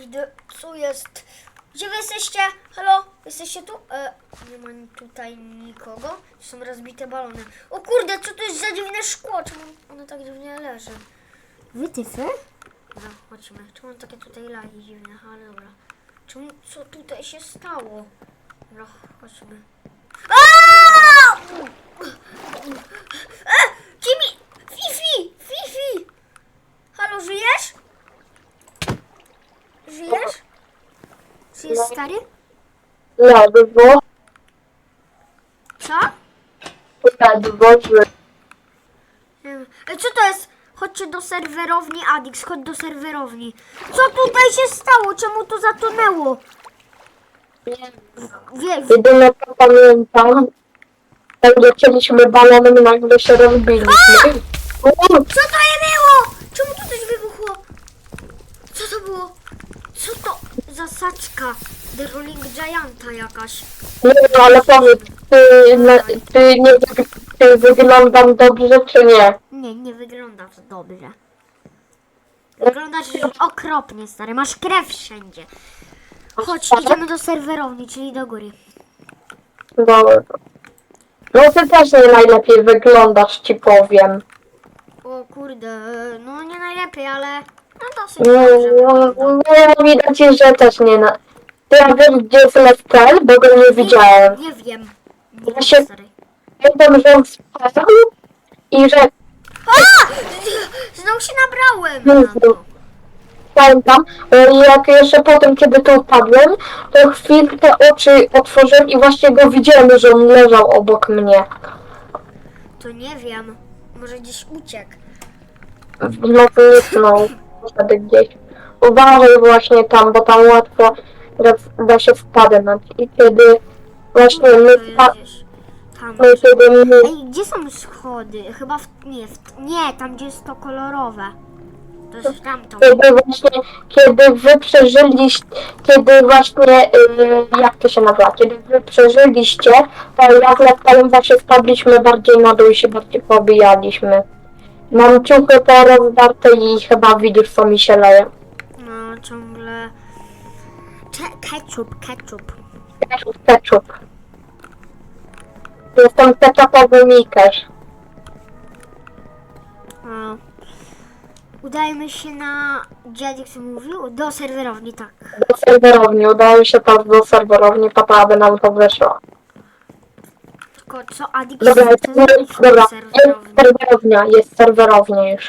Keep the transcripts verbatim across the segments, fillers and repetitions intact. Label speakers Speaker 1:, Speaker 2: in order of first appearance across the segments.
Speaker 1: kurde, co jest? Gdzie wy jesteście? Halo? Jesteście tu? E, nie ma tutaj nikogo. Są rozbite balony. O kurde, co to jest za dziwne szkło? Czemu ono tak dziwnie leży? Wytyfy? Dobra, chodźmy. Czemu on takie tutaj lagi dziwne? Ale dobra. Czemu, co tutaj się stało? Dobra, chodźmy. Aaaa! E, Jimmy! Fifi! Fifi! Halo, żyjesz? Żyjesz? Żyjesz, stary?
Speaker 2: Ledwo,
Speaker 1: Co?
Speaker 2: ledwo, że
Speaker 1: Nie wiem. E, co to jest? Chodźcie do serwerowni, Adix, chodź do serwerowni. Co tutaj się stało? Czemu to zatonęło? Wie,
Speaker 2: jedyne co pamiętam, jak lecieliśmy balonem, nagle się rozbiliśmy.
Speaker 1: co to je było? Czemu tu coś wybuchło? Co to było? Co to za saczka? The Rolling Gianta jakaś.
Speaker 2: Nie wiem, ale powiedz, ty, le- ty nie ty wyglądam dobrze, czy nie?
Speaker 1: Nie, nie wyglądasz dobrze. Wyglądasz okropnie, stary. Masz krew wszędzie. Chodź, idziemy do serwerowni, czyli do góry.
Speaker 2: Dobra. No ty też nie najlepiej wyglądasz, ci powiem.
Speaker 1: O kurde, no nie najlepiej, ale no dosyć
Speaker 2: No,
Speaker 1: dobrze
Speaker 2: no,
Speaker 1: wygląda.
Speaker 2: no widać, że też nie na... Ty ja wiesz, gdzie jest Leftel, bo go nie widziałem.
Speaker 1: Nie wiem. Nie
Speaker 2: Ja
Speaker 1: wiem,
Speaker 2: się-
Speaker 1: stary.
Speaker 2: Pamiętam, że on spadł i że
Speaker 1: A! Znowu się nabrałem na to.
Speaker 2: pamiętam, e, jak jeszcze potem, kiedy tu upadłem, to chwilkę oczy otworzyłem i właśnie go widziałem, że on leżał obok mnie.
Speaker 1: To nie wiem. Może gdzieś uciekł.
Speaker 2: No zniknął wtedy gdzieś. Uważaj właśnie tam, bo tam łatwo da, da się wpadnąć. I kiedy właśnie my,
Speaker 1: To jest
Speaker 2: spa-
Speaker 1: gdzieś tam.
Speaker 2: my kiedy my
Speaker 1: Ej, gdzie są schody? Chyba w... Nie, w... nie, tam gdzie jest to kolorowe. To jest tamto.
Speaker 2: kiedy właśnie, kiedy wy przeżyliście, kiedy właśnie, yy, jak to się nazywa, kiedy wy przeżyliście, to jak latałem właśnie spadliśmy bardziej na dół i się bardziej pobijaliśmy. Mam ciuchy te rozdarte i chyba widzisz, co mi się leje.
Speaker 1: No, ciągle... Cze- ketchup, ketchup.
Speaker 2: Ketchup, ketchup. Jestem ketchupowy Mikerz.
Speaker 1: O. Udajemy się na... Dziadek co mówił? Do serwerowni, tak.
Speaker 2: Do serwerowni, udało się tam do serwerowni, papa, aby nam to wyszło.
Speaker 1: Tylko co Adix
Speaker 2: Dobra,
Speaker 1: chce
Speaker 2: jest,
Speaker 1: zrobić w
Speaker 2: dobra,
Speaker 1: tej
Speaker 2: jest
Speaker 1: serwerowni?
Speaker 2: serwerownia, jest serwerownia już.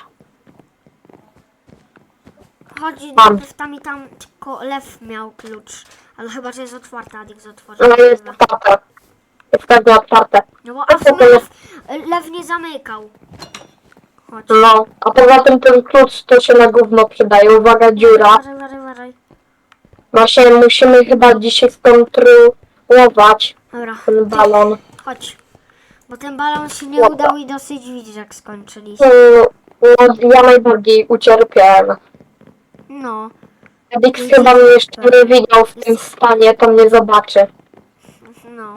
Speaker 1: Chodzi
Speaker 2: Mam.
Speaker 1: najpierw tam i tam, tylko Lew miał klucz. Ale chyba, że jest otwarta, Adix otworzył.
Speaker 2: No jest otwarte. Jest pewnie otwarte.
Speaker 1: No bo a w sumie Lew, Lew nie zamykał. Chodź.
Speaker 2: No, a poza tym ten klucz to się na gówno przydaje. Uwaga, dziura.
Speaker 1: Uważaj, uważaj, uważaj.
Speaker 2: Właśnie musimy chyba dzisiaj skontrolować
Speaker 1: Dobra,
Speaker 2: ten balon.
Speaker 1: chodź. Bo ten balon się nie
Speaker 2: Dobra.
Speaker 1: udał i dosyć widzisz jak skończyliśmy.
Speaker 2: Mm, No, ja najbardziej ucierpiałem.
Speaker 1: No,
Speaker 2: Dix chyba mnie jeszcze nie widział w tym stanie, to mnie zobaczy.
Speaker 1: no.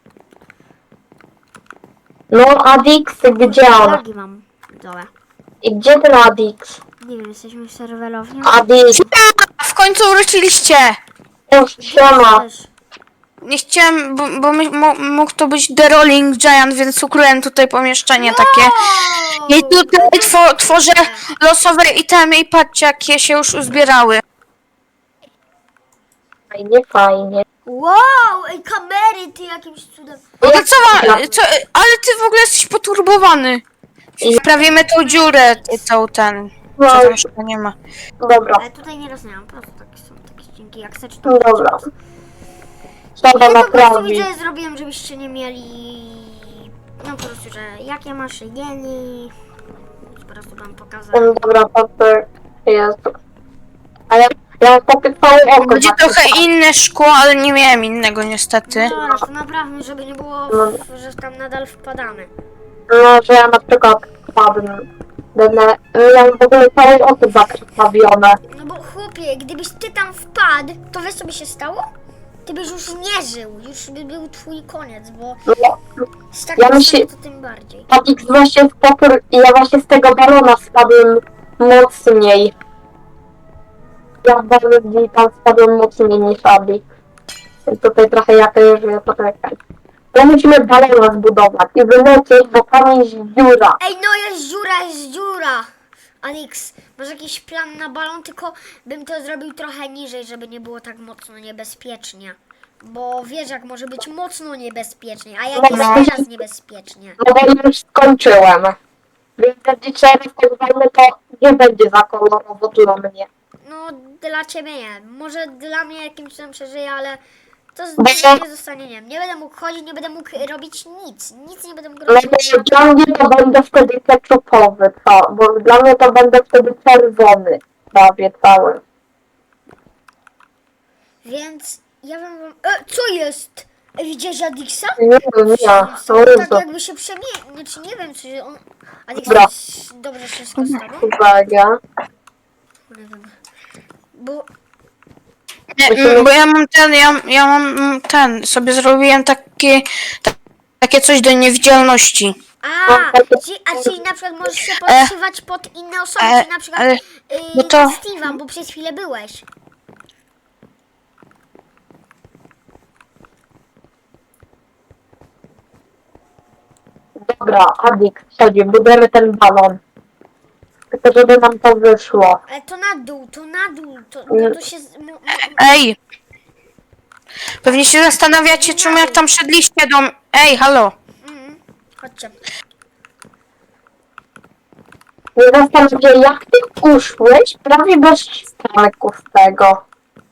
Speaker 2: No, Adix, gdzie on?
Speaker 1: Lagi mam. Dobra.
Speaker 2: I gdzie ten Adix?
Speaker 1: Nie wiem, jesteśmy w serwerowni.
Speaker 2: Adix,
Speaker 3: W końcu wróciliście!
Speaker 2: już siema.
Speaker 1: Jesteś?
Speaker 3: Nie chciałem, bo, bo my, mo, mógł to być The Rolling Giant, więc ukryłem tutaj pomieszczenie takie. I tutaj two, tworzę losowe itemy i patrzcie, jakie się już uzbierały.
Speaker 2: Fajnie, fajnie.
Speaker 1: Wow, ej, kamery, ty jakimś cudem.
Speaker 3: No to co, ma, co, ale ty w ogóle jesteś poturbowany. Wprawimy tą dziurę, ty, tą ten, co tam jeszcze nie ma.
Speaker 2: Dobra,
Speaker 1: Ale tutaj nie rozumiem, po prostu takie są takie ścinki, jak chcesz to...
Speaker 2: no dobra. Trzeba
Speaker 1: Ja to po prostu
Speaker 2: naprawić.
Speaker 1: widzę, zrobiłem, żebyście nie mieli... No po prostu, że jakie masz jeli... Po prostu wam pokazałem.
Speaker 2: No dobra, to to jest. A ja, ja mam takie całe oko.
Speaker 3: Będzie
Speaker 2: takie-
Speaker 3: trochę inne szkło, ale nie miałem innego niestety.
Speaker 1: No, to naprawdę, żeby nie było,
Speaker 2: No.
Speaker 1: że tam nadal wpadamy.
Speaker 2: No, że ja na przykład wpadnę. Będę, ja mam w ogóle całe oko zakrwawione.
Speaker 1: No bo chłopie, gdybyś ty tam wpadł, to wiesz co by się stało? Ty byś już nie żył, już by był twój koniec, bo
Speaker 2: No,
Speaker 1: z takim
Speaker 2: Ja myślę-
Speaker 1: to tym bardziej.
Speaker 2: Adix właśnie z popór, ja właśnie z tego balona spadłem mocniej. ja bardziej tam spadłem mocniej niż Adi. Więc tutaj trochę ja też żyję, poczekaj. To musimy balona zbudować i wylecieć, bo tam jest dziura.
Speaker 1: Ej, no jest dziura, jest dziura! Alex, masz jakiś plan na balon, tylko bym to zrobił trochę niżej, żeby nie było tak mocno niebezpiecznie. Bo wiesz, jak może być mocno niebezpiecznie, a jak
Speaker 2: Dobra.
Speaker 1: jest teraz niebezpiecznie.
Speaker 2: No bo już skończyłem. Więc jeżeli teraz tak walnę, to nie będzie za kolorowo dla mnie.
Speaker 1: No, dla ciebie nie. Może dla mnie jakimś cudem przeżyję, ale to z-
Speaker 2: Dobra.
Speaker 1: nie zostanie, nie wiem. Nie będę mógł chodzić, nie będę mógł robić nic. Nic nie będę mógł
Speaker 2: No
Speaker 1: robić.
Speaker 2: bo dla mnie to będę wtedy keczupowy, co? Bo dla mnie to będę wtedy czerwony prawie cały.
Speaker 1: Więc ja bym wam... E, co jest? E, widziałeś Adixa?
Speaker 2: Nie wiem, ja.
Speaker 1: To
Speaker 2: O
Speaker 1: tak
Speaker 2: Jezu.
Speaker 1: jakby się przemie... Znaczy nie wiem, czy on... Adix
Speaker 2: Dobra.
Speaker 1: jest dobrze wszystko z tobą?
Speaker 2: Uwaga.
Speaker 1: Nie wiem. Bo...
Speaker 3: Nie, mm, bo ja mam ten, ja, ja mam mm, ten, sobie zrobiłem takie, ta, takie coś do niewidzialności.
Speaker 1: A, czyli, a czyli na przykład możesz się podszywać pod inne osoby,
Speaker 3: e,
Speaker 1: czyli na przykład
Speaker 3: ale-
Speaker 1: yy,
Speaker 3: no to-
Speaker 1: Steve'a, bo przez chwilę byłeś.
Speaker 2: Dobra, Adik, chodzi, budujemy ten balon. Tylko żeby nam to wyszło.
Speaker 1: Ale to na dół, to na dół, to, no to się... z- m- m-
Speaker 3: Ej! Pewnie się zastanawiacie, czemu jak tam szedliście do... m- Ej, halo!
Speaker 1: mm, chodźcie.
Speaker 2: Nie zastanawiam się, jak ty uszłeś prawie bez ścianków z tego.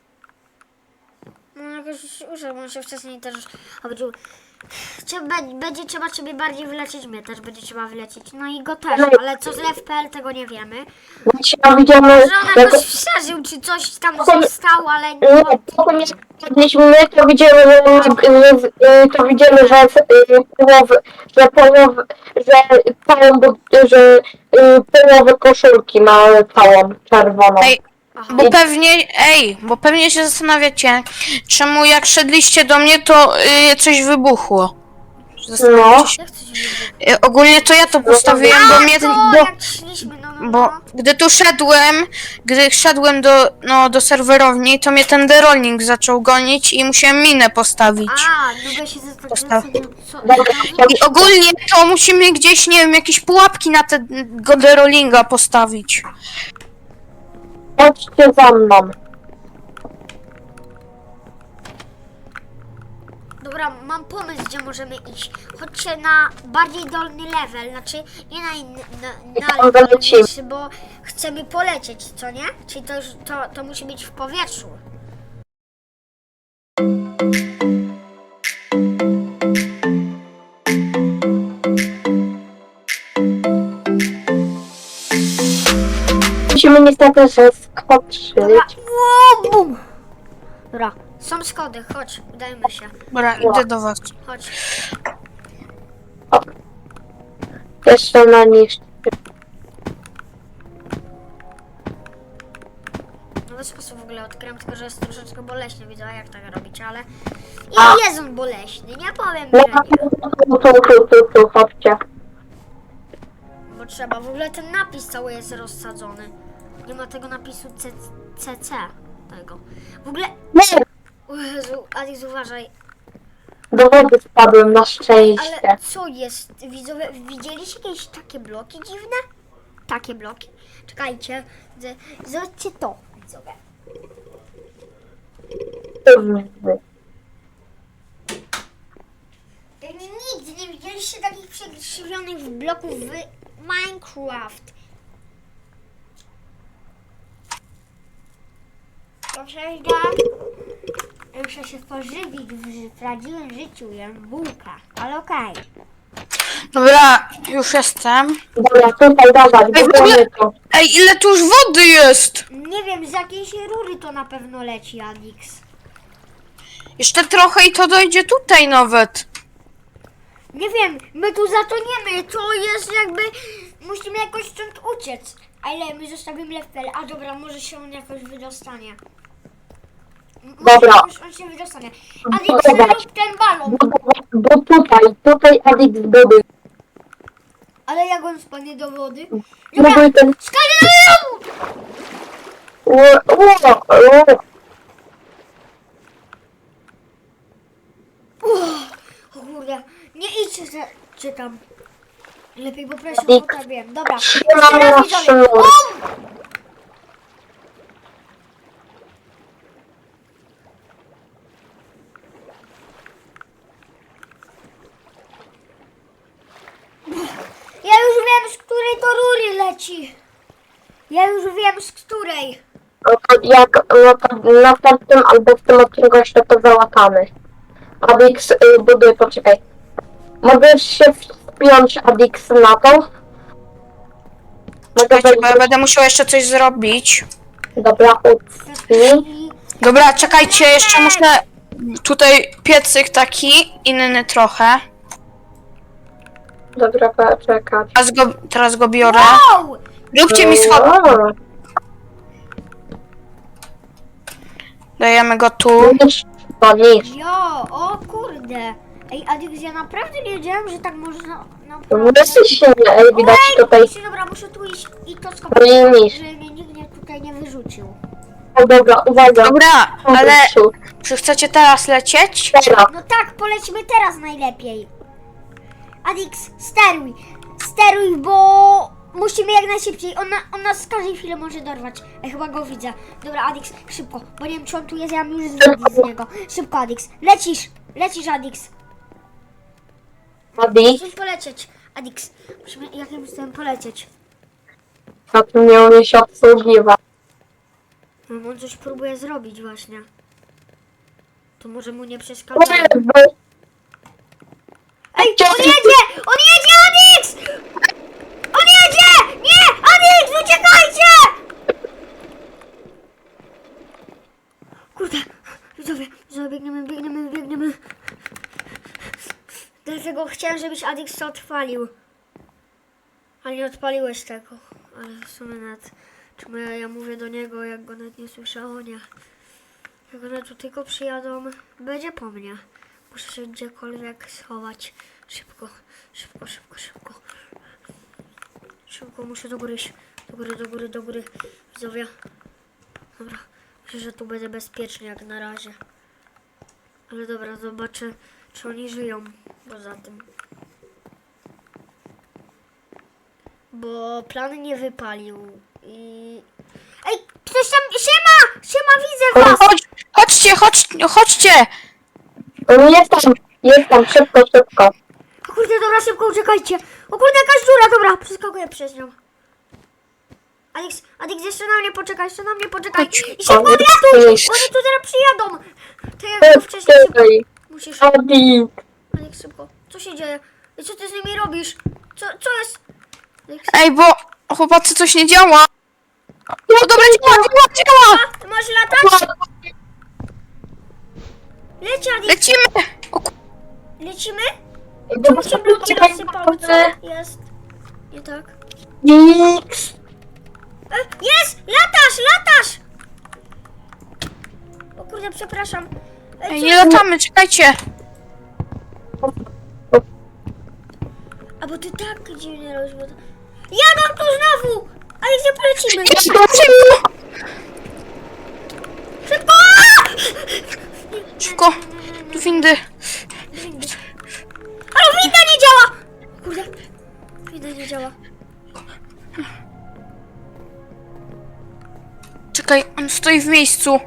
Speaker 1: No jakoś użył, bo się wcześniej też chodził. Trzeba, będzie trzeba ciebie bardziej wylecieć, mnie też będzie trzeba wylecieć. No i go też, ale co z Lew kropka p l tego nie wiemy.
Speaker 2: Dzisiaj widzimy,
Speaker 1: Że on
Speaker 2: jak...
Speaker 1: jakoś przeżył, czy coś tam zostało, ale nie.
Speaker 2: Nie, potem jak padliśmy, to widzimy, że, że, że to widzimy, że y, połowy, że połowy, że całą, że y, połowę koszulki ma całą czerwoną.
Speaker 3: Ej,
Speaker 1: Aha.
Speaker 3: bo pewnie, ej, bo pewnie się zastanawiacie, czemu jak szedliście do mnie, to y, coś wybuchło. Zastanawiacie się?
Speaker 1: Jak coś nie
Speaker 3: Y, ogólnie to ja to postawiłem, bo mnie...
Speaker 1: to
Speaker 3: Bo,
Speaker 1: jak szliśmy, no, no,
Speaker 3: bo
Speaker 1: no.
Speaker 3: gdy tu szedłem, gdy szedłem do, no, do serwerowni, to mnie ten derolling zaczął gonić i musiałem minę postawić.
Speaker 1: A, no bo się
Speaker 3: Postaw.
Speaker 1: zastanawiam, co...
Speaker 2: Dobra,
Speaker 3: I ogólnie to musimy gdzieś, nie wiem, jakieś pułapki na tego derollinga postawić.
Speaker 2: chodźcie za mną.
Speaker 1: Dobra, mam pomysł, gdzie możemy iść. Chodźcie na bardziej dolny level, znaczy nie na inny, na,
Speaker 2: Tam
Speaker 1: na
Speaker 2: wylecimy.
Speaker 1: niższy, bo chcemy polecieć, co nie? Czyli to już, to, to musi być w powietrzu.
Speaker 2: Musimy niestety że skoczyć.
Speaker 1: Dobra, Ło, bum! Dobra, są schody, chodź, udajmy się.
Speaker 3: Dobra, idę do was.
Speaker 1: Chodź.
Speaker 2: Jeszcze na nich.
Speaker 1: Nowy sposób w ogóle odkryłem, tylko że jest troszeczkę boleśny, widzę jak tak robić, ale...
Speaker 2: A.
Speaker 1: I jest on boleśny, nie powiem,
Speaker 2: No
Speaker 1: że nie.
Speaker 2: tu, tu, tu, tu, chodźcie.
Speaker 1: Bo trzeba, w ogóle ten napis cały jest rozsadzony. Nie ma tego napisu C C C tego. W ogóle...
Speaker 2: Nie,
Speaker 1: O Jezu, Alex, uważaj.
Speaker 2: do wody spadłem na szczęście.
Speaker 1: Ale co jest? Widzowie, widzieliście jakieś takie bloki dziwne? Takie bloki? Czekajcie. z- Zobaczcie to, widzowie. Nigdy nie widzieliście takich przekrzywionych bloków w Minecraft. To prawda. Muszę się pożywić w prawdziwym życiu, jem bułka, ale okej.
Speaker 3: Dobra, już jestem.
Speaker 2: Dobra, tutaj dawać,
Speaker 3: Ej, w ogóle-
Speaker 2: budujemy to.
Speaker 3: Ej, ile tu już wody jest?
Speaker 1: Nie wiem, z jakiejś rury to na pewno leci, Adix.
Speaker 3: Jeszcze trochę i to dojdzie tutaj nawet.
Speaker 1: Nie wiem, my tu zatoniemy, to jest jakby... Musimy jakoś stąd uciec. A ile my zostawimy level? A dobra, może się on jakoś wydostanie. M- może
Speaker 2: Dobra.
Speaker 1: jakoś on się wydostanie. Adix,
Speaker 2: Dobra.
Speaker 1: rób ten balon.
Speaker 2: Budować, bo tutaj, tutaj Adik zbuduj.
Speaker 1: Ale jak on spadnie do wody?
Speaker 2: Buduj ten...
Speaker 1: Skalił!
Speaker 2: U, u, u.
Speaker 1: O kurde, nie idźcie za, czy tam. Lepiej poproszę, bo tak wiem. Dobra,
Speaker 2: Trzymam
Speaker 1: jeszcze raz
Speaker 2: na
Speaker 1: widzowie.
Speaker 2: sznur.
Speaker 1: O! Ja już wiem, z której to rury leci. Ja już wiem, z której.
Speaker 2: No to jak no to w następnym albo w tym odcinku jeszcze to załatamy. Adix, y, buduj, poczekaj. Możesz się wspiąć, Adix, na to? Mogę
Speaker 3: Czekajcie, bo ja
Speaker 2: wejść?
Speaker 3: będę musiał jeszcze coś zrobić.
Speaker 2: Dobra, ucnij.
Speaker 1: I
Speaker 3: Dobra, czekajcie, jeszcze muszę... Tutaj piecyk taki, inny trochę.
Speaker 2: Dobra, poczekać.
Speaker 3: Teraz go, teraz go biorę.
Speaker 1: wow!
Speaker 3: Róbcie mi schody.
Speaker 2: O,
Speaker 3: Dajemy go tu.
Speaker 2: niż, to niż.
Speaker 1: Jo, o kurde. Ej, Adix, ja naprawdę nie wiedziałem, że tak można naprawdę...
Speaker 2: Wysy się, ej, widać
Speaker 1: Ej,
Speaker 2: tutaj.
Speaker 1: muszę- dobra, muszę tu iść i to
Speaker 2: No
Speaker 1: skopać,
Speaker 2: i niż.
Speaker 1: żeby mnie nikt mnie tutaj nie wyrzucił.
Speaker 2: O, dobra, uwaga.
Speaker 3: Dobra, ale
Speaker 2: Adixu,
Speaker 3: czy chcecie teraz lecieć?
Speaker 2: teraz.
Speaker 1: No tak, polecimy teraz najlepiej. Adix, steruj. Steruj, bo musimy jak najszybciej. On, na, on nas z każdej chwili może dorwać. Ja chyba go widzę. Dobra, Adix, szybko, bo nie wiem, czy on tu jest, ja mam już zdjęcie z niego. Szybko, Adix. Lecisz, lecisz, Adix.
Speaker 2: Adix,
Speaker 1: Musimy polecieć. Adix, musimy jakimś tym polecieć.
Speaker 2: a tu nie umie się obsługiwać.
Speaker 1: No, on coś próbuje zrobić właśnie. To może mu nie przeszkadza. Ej, on jedzie! On jedzie, Adix! On jedzie! Nie! Adix, uciekajcie! Kurde, widzowie, widzowie, biegniemy, biegniemy, biegniemy. Dlatego chciałem, żebyś Adix to odpalił. Ale nie odpaliłeś tego. Ale w sumie nawet... Czemu ja, ja mówię do niego, jak go nawet nie słyszę? O nie. Jak one tu tylko przyjadą, będzie po mnie. Muszę się gdziekolwiek schować. Szybko, szybko, szybko, szybko. Szybko, muszę do góry iść. Do góry, do góry, do góry. Widzowie. Dobra, myślę, że tu będę bezpiecznie jak na razie. Ale dobra, zobaczę, czy oni żyją poza tym. Bo plan nie wypalił i... Ej, ktoś tam... Siema! Siema, widzę was!
Speaker 3: Chodź, chodźcie, chodź, chodźcie!
Speaker 2: On jest tam, jest tam, szybko, szybko.
Speaker 1: O kurde, dobra, szybko uciekajcie. O kurde, jakaś dziura, dobra, przeskakuję przez nią. Adix, Adix, jeszcze na mnie poczekaj, jeszcze na mnie poczekaj.
Speaker 3: Chodź.
Speaker 1: I szybko
Speaker 2: O,
Speaker 1: odlatuj!
Speaker 2: jest.
Speaker 1: Oni tu zaraz przyjadą. To ja go wcześniej szybko...
Speaker 2: Ej,
Speaker 1: Musisz...
Speaker 2: Adix.
Speaker 1: Adix, szybko. Co się dzieje? I co ty z nimi robisz? Co, co jest? Adix,
Speaker 3: Ej, bo chłopacy coś nie działa. No dobra, działa, działa, działa!
Speaker 1: a, ty możesz latać? Leci, Adix.
Speaker 3: Lecimy! O, ku-
Speaker 1: Lecimy?
Speaker 2: Dobra,
Speaker 1: Czemu się bloki
Speaker 2: czekaj,
Speaker 1: rozsypały? Co
Speaker 2: dobrze.
Speaker 1: jest? Nie tak.
Speaker 2: Adix.
Speaker 1: E, jest! Latasz, latasz! O kurde, przepraszam. E,
Speaker 3: Ej,
Speaker 1: co
Speaker 3: nie
Speaker 1: jest?
Speaker 3: latamy, czekajcie.
Speaker 1: A bo ty tak dziwnie robisz, bo to... Jadą tu znowu! Ale gdzie polecimy?
Speaker 3: Szybko, szybko!
Speaker 1: Szybko!
Speaker 3: Szybko, do windy.
Speaker 1: Ale winda nie działa! Kurde, winda nie działa.
Speaker 3: Czekaj, on stoi w miejscu.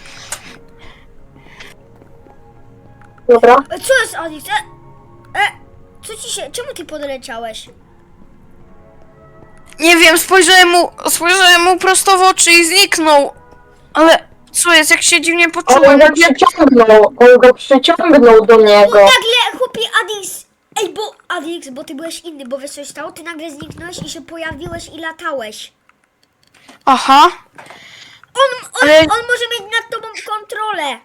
Speaker 2: Dobra.
Speaker 1: E, co jest, Adix? E, e, co ci się... Czemu ty podleciałeś?
Speaker 3: Nie wiem, spojrzałem mu, spojrzałem mu prosto w oczy i zniknął. Ale co jest, jak się dziwnie
Speaker 2: On
Speaker 3: poczułem?
Speaker 2: go
Speaker 3: Jakby...
Speaker 2: przyciągnął, on go przyciągnął do
Speaker 1: Bo
Speaker 2: niego.
Speaker 1: nagle, chłopie, Adix... Ej, bo Adix, bo ty byłeś inny, bo wiesz co się stało? Ty nagle zniknąłeś i się pojawiłeś i latałeś.
Speaker 3: Aha.
Speaker 1: On, on,
Speaker 3: Ale-
Speaker 1: on może mieć nad tobą kontrolę.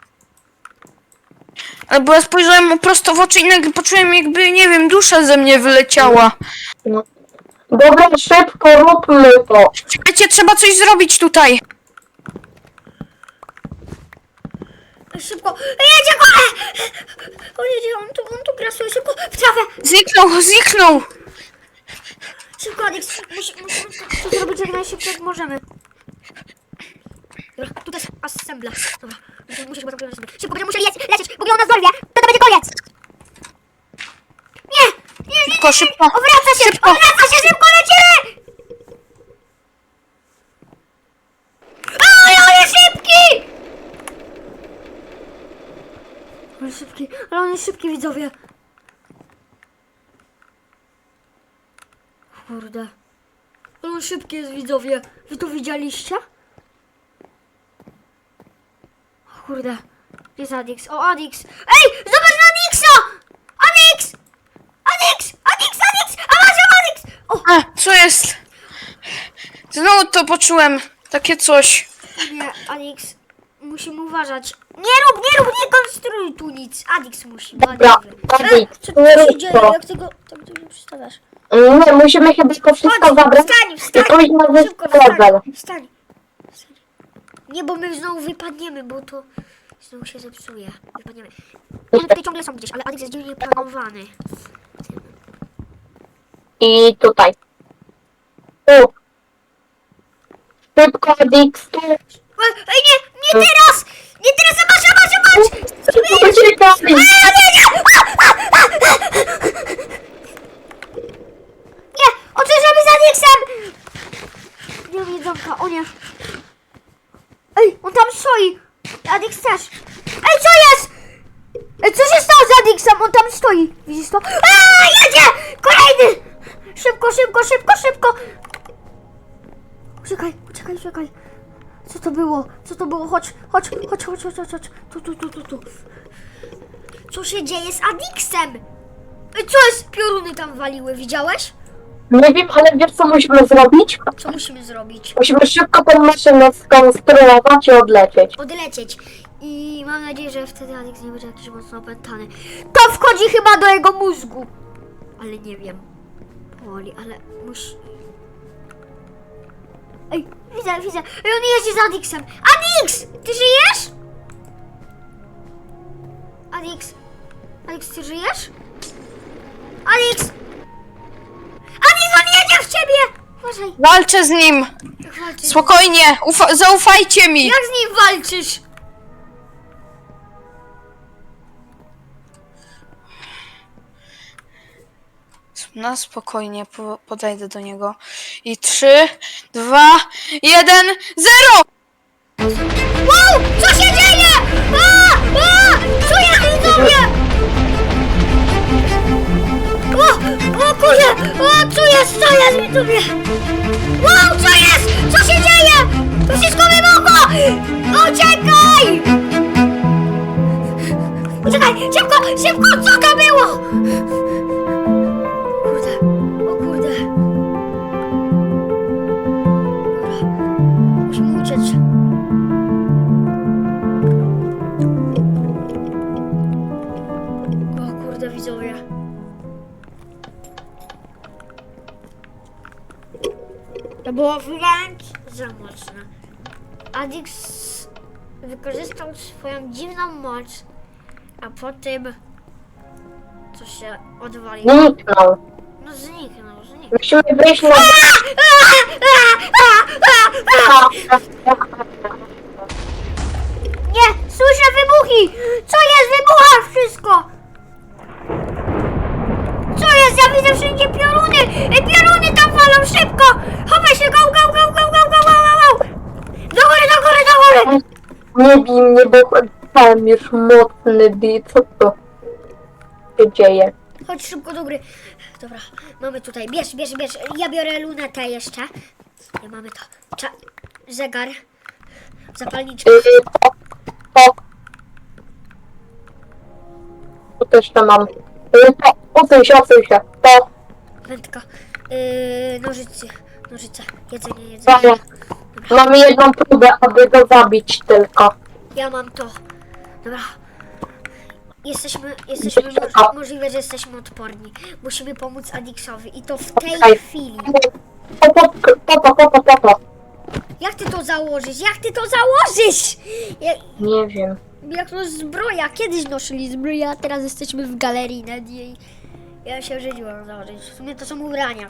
Speaker 3: Ale bo ja spojrzałem mu prosto w oczy i nagle poczułem, jakby, nie wiem, dusza ze mnie wyleciała.
Speaker 2: No. Dobra, szybko, róbmy to.
Speaker 3: Czekajcie, trzeba coś zrobić tutaj.
Speaker 1: Szybko. Jedzie go! On jedzie, on tu, on tu grasuje. Szybko, w trawę.
Speaker 3: Zniknął, zniknął.
Speaker 1: Szybko, Adix. Musi, musimy to zrobić jak najszybciej jak możemy. Assembla. Dobra, muszę, muszę chyba zamknąć sobie. Szybko, będziemy musieli lecieć, lecieć, bo ona zdolwie. To, to będzie koniec. Nie, nie, nie,
Speaker 3: Szybko, szybko.
Speaker 1: Odwraca się,
Speaker 3: Szybko.
Speaker 1: odwraca się, szybko lecimy! Ale on jest szybki! Ale szybki, ale on jest szybki, widzowie. Kurde. Ale on szybki jest, widzowie. Wy to widzieliście? O kurde. Gdzie jest Adix? O, Adix! Ej! Zobacz na Adixa! Adix! Adix! Adix! Adix! A masz Adix! O!
Speaker 3: A, co jest? Znowu to poczułem. Takie coś.
Speaker 1: Nie, Adix. Musimy uważać. Nie rób, nie rób, nie konstruuj tu nic. Adix musi.
Speaker 2: Dobra,
Speaker 1: Adix.
Speaker 2: Adix,
Speaker 1: Co tu
Speaker 2: nie
Speaker 1: się
Speaker 2: rób
Speaker 1: dzieje?
Speaker 2: to.
Speaker 1: Jak tego, tak tego przedstawiasz?
Speaker 2: Nie, musimy chyba to wszystko
Speaker 1: Chodź,
Speaker 2: zabrać
Speaker 1: wstań,
Speaker 2: i
Speaker 1: wstań!
Speaker 2: pójść na
Speaker 1: Szybko,
Speaker 2: wyspę level.
Speaker 1: wstań, wstań, wstań. Nie, bo my znowu wypadniemy, bo to znowu się zepsuje. Wypadniemy. One tutaj ciągle są gdzieś, ale Adix jest dziwnie planowany.
Speaker 2: I tutaj. Tu. Szybko, Adix, tu.
Speaker 1: Ej, ej, nie, nie teraz! Nie teraz, zobacz, zobacz, zobacz!
Speaker 2: Uciekaj!
Speaker 1: Nie, oczyszczamy z Adixem! Nie mam jedzonka, o nie. Ej, on tam stoi. Adix też. Ej, co jest? Ej, co się stało z Adixem? On tam stoi. Widzisz to? Aaa, jedzie! Kolejny! Szybko, szybko, szybko, szybko! Uciekaj, uciekaj, uciekaj. Co to było? Co to było? Chodź, chodź, chodź, chodź, chodź, chodź, chodź. Tu, tu, tu, tu, tu. Co się dzieje z Adixem? Ej, co jest? Pioruny tam waliły, widziałeś?
Speaker 2: Nie wiem, ale wiesz co musimy zrobić?
Speaker 1: Co musimy zrobić?
Speaker 2: Musimy szybko tą maszynę skonstruować i odlecieć.
Speaker 1: Odlecieć. I mam nadzieję, że wtedy Adix nie będzie jakiś mocno opętany. To wchodzi chyba do jego mózgu. Ale nie wiem. Powoli, ale musi... Ej, widzę, widzę. Ej, on jeździ z Adixem. Adix! Ty żyjesz? Adix? Adix, ty żyjesz? Adix! Adix, on jedzie w ciebie! Uważaj.
Speaker 3: Walczę z nim.
Speaker 1: Jak walczysz?
Speaker 3: Spokojnie. Ufa zaufajcie mi.
Speaker 1: Jak z nim walczysz?
Speaker 3: Na spokojnie po podejdę do niego. I trzy, dwa, jeden, zero!
Speaker 1: Wow! Co się dzieje? A! A! Co jest do mnie? O! O kurde! O! Co jest? Co jest mi tobie? Wow! Co jest? Co się dzieje? To wszystko wybuchło! Uciekaj! Uciekaj! Szybko! Szybko! Co to było? Kurde! O kurde! Dobra. Musimy uciec. O kurde, widzowie. To było wręcz za mocne. Adix wykorzystał swoją dziwną moc, a potem co się odwaliło.
Speaker 2: Zniknął.
Speaker 1: No zniknął, zniknął.
Speaker 2: Musimy wyjść na...
Speaker 1: Nie, słyszę wybuchi! Co jest? Wybucha wszystko! Co jest? Ja widzę wszędzie pioruny! Ej, pioruny tam walą szybko! Chowaj się, go, go, go, go, go, go, go, go, go! Do góry, do góry, do góry!
Speaker 2: Nie bij mnie, bo mam już mocny bij. Co to się dzieje?
Speaker 1: Chodź szybko do góry. Dobra, mamy tutaj. Bierz, bierz, bierz. Ja biorę lunetę jeszcze. Nie mamy to. Cza zegar. Zapalniczka.
Speaker 2: Yy, to, to. Tu też to mam. Yy, to, odsuń się, odsuń się. To,
Speaker 1: Wędka. Yy, nożycy. Nożyce. Jedzenie, jedzenie.
Speaker 2: to. Mamy jedną próbę, aby go zabić tylko.
Speaker 1: Ja mam to. Dobra. Jesteśmy, jesteśmy moż możliwe, że jesteśmy odporni. Musimy pomóc Adixowi i to w tej
Speaker 2: Okej.
Speaker 1: chwili.
Speaker 2: Po, po, po, po, po, po, po, po.
Speaker 1: Jak ty to założysz? Jak ty to założysz? Jak,
Speaker 2: Nie wiem.
Speaker 1: jak to zbroja? Kiedyś nosili zbroję, a teraz jesteśmy w galerii nad jej. Ja się żydziłam założyć. W sumie to są ubrania.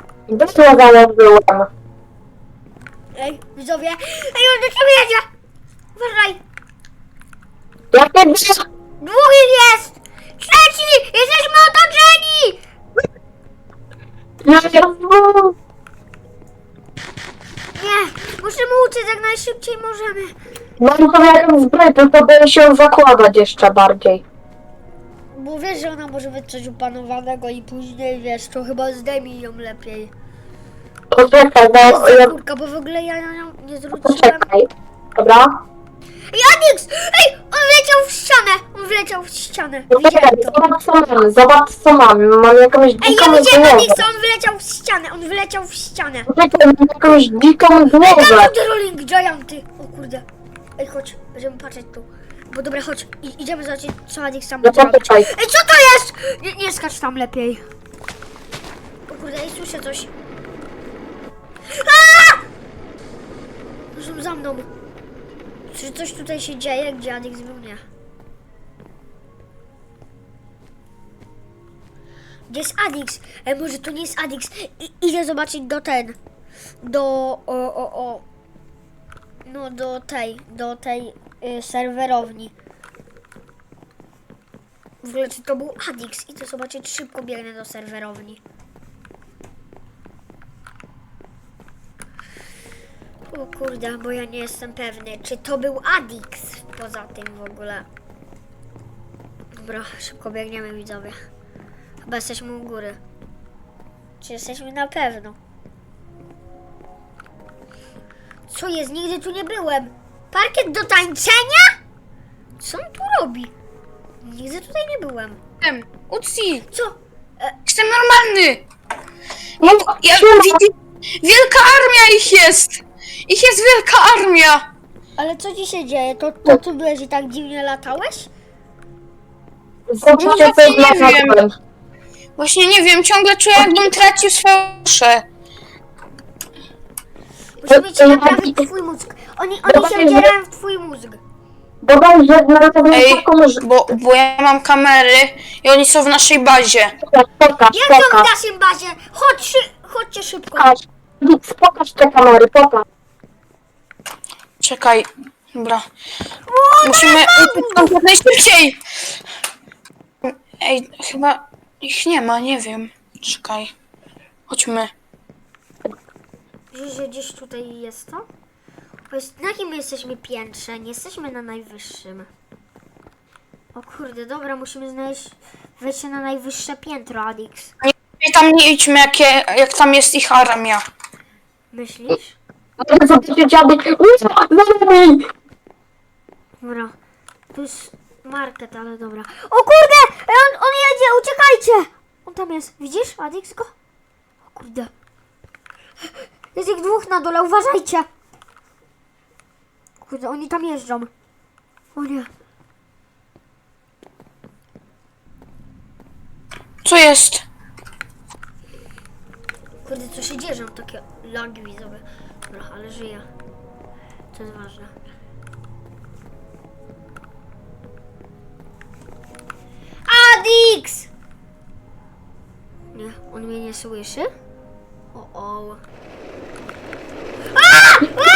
Speaker 2: Dosłownie założyłem.
Speaker 1: Ej, widzowie. Ej, on do ciebie jedzie! Dwóch ich jest! Trzeci! Jesteśmy otoczeni!
Speaker 2: Jezu!
Speaker 1: Nie, musimy uciec jak najszybciej możemy.
Speaker 2: Mam to jakąś zbroję, tylko boję się zakładać jeszcze bardziej.
Speaker 1: Bo wiesz, że ona może być coś upanowanego i później, wiesz, to chyba zdejmij ją lepiej.
Speaker 2: Poczekaj, bo
Speaker 1: Jest
Speaker 2: ja...
Speaker 1: kurka, bo w ogóle ja na nią nie zwróciłem.
Speaker 2: Poczekaj. Dobra?
Speaker 1: Janix! Ej, on wleciał w ścianę! On wleciał w ścianę.
Speaker 2: Poczekaj,
Speaker 1: Widziałem to.
Speaker 2: zobacz co mamy, zobacz co mamy. Mam jakąś
Speaker 1: Ej,
Speaker 2: dziką
Speaker 1: ja widziałem
Speaker 2: głowę.
Speaker 1: Anixa, on wyleciał w ścianę, on wyleciał w ścianę.
Speaker 2: Poczekaj, mam jakąś dziką
Speaker 1: Ej, tam
Speaker 2: głowę.
Speaker 1: są te rolling gianty. O kurde. Ej, chodź, będziemy patrzeć tu. Bo dobra, chodź, I, idziemy zobaczyć, co Anixa tam
Speaker 2: No
Speaker 1: będzie robić.
Speaker 2: poczekaj.
Speaker 1: Ej, co to jest? Nie, nie skacz tam lepiej. O kurde, ej, słyszę coś. Aaa! Są za mną. Czy coś tutaj się dzieje, gdzie Adix był? Nie. Gdzie jest Adix? Ej, może to nie jest Adix. I, idę zobaczyć do ten. Do... O, o, o. No, do tej. Do tej y, serwerowni. W ogóle, czy to był Adix? Idę zobaczyć, szybko biegnę do serwerowni. O kurde, bo ja nie jestem pewny, czy to był Adix poza tym w ogóle. Dobra, szybko biegniemy, widzowie. Chyba jesteśmy u góry. Czy jesteśmy na pewno? Co jest? Nigdy tu nie byłem. Parkiet do tańczenia? Co on tu robi? Nigdy tutaj nie byłem.
Speaker 3: Jestem. Uci,
Speaker 1: Co? E,
Speaker 3: jestem normalny.
Speaker 2: No,
Speaker 3: Ja,
Speaker 2: siema.
Speaker 3: widzi, wielka armia ich jest. Ich jest wielka armia.
Speaker 1: ale co ci się dzieje? To, to ty byłeś i tak dziwnie latałeś?
Speaker 2: Zobaczcie,
Speaker 3: No
Speaker 2: co jest
Speaker 3: właśnie
Speaker 2: na
Speaker 3: nie wiem.
Speaker 2: zewnątrz.
Speaker 3: Właśnie nie wiem, ciągle czuję, jakbym tracił swoje duszę.
Speaker 1: Musimy ci
Speaker 2: Ej,
Speaker 1: naprawić
Speaker 2: ej,
Speaker 1: twój mózg. Oni,
Speaker 2: Dobra,
Speaker 1: oni się
Speaker 2: ej,
Speaker 1: wdzierają w twój mózg.
Speaker 2: Dodaj, że na zewnątrz
Speaker 3: Ej,
Speaker 2: taką, że...
Speaker 3: bo, bo ja mam kamery i oni są w naszej bazie.
Speaker 2: Pokaż,
Speaker 1: Jak to w
Speaker 2: pokaż,
Speaker 1: naszym bazie? Chodź, szy- chodźcie szybko.
Speaker 2: pokaż. Nic, pokaż te kamery, pokaż.
Speaker 3: Czekaj, dobra. Musimy uciec stąd jak najszybciej. Ej, chyba ich nie ma, nie wiem. Czekaj. Chodźmy.
Speaker 1: Wiesz, że gdzieś tutaj jest to? Bo jest, na jakim my jesteśmy piętrze? Nie jesteśmy na najwyższym. O kurde, dobra, musimy znaleźć wejście na najwyższe piętro, Adix.
Speaker 3: I tam nie idźmy, jakie, jak tam jest ich armia.
Speaker 1: Myślisz?
Speaker 2: Mogę zobaczyć dziadek. Uuu,
Speaker 1: Dobra. Tu jest market, ale dobra. O kurde! Ej, On, on jedzie, uciekajcie! On tam jest. Widzisz, Adix go? O kurde. Jest ich dwóch na dole, uważajcie! Kurde, oni tam jeżdżą. O nie.
Speaker 3: Co jest?
Speaker 1: Kurde, co się dzieje, że mam takie lagi widzowe. Dobra, ale żyję. To jest ważne. Adix! Nie, on mnie nie słyszy? O, o. A! A!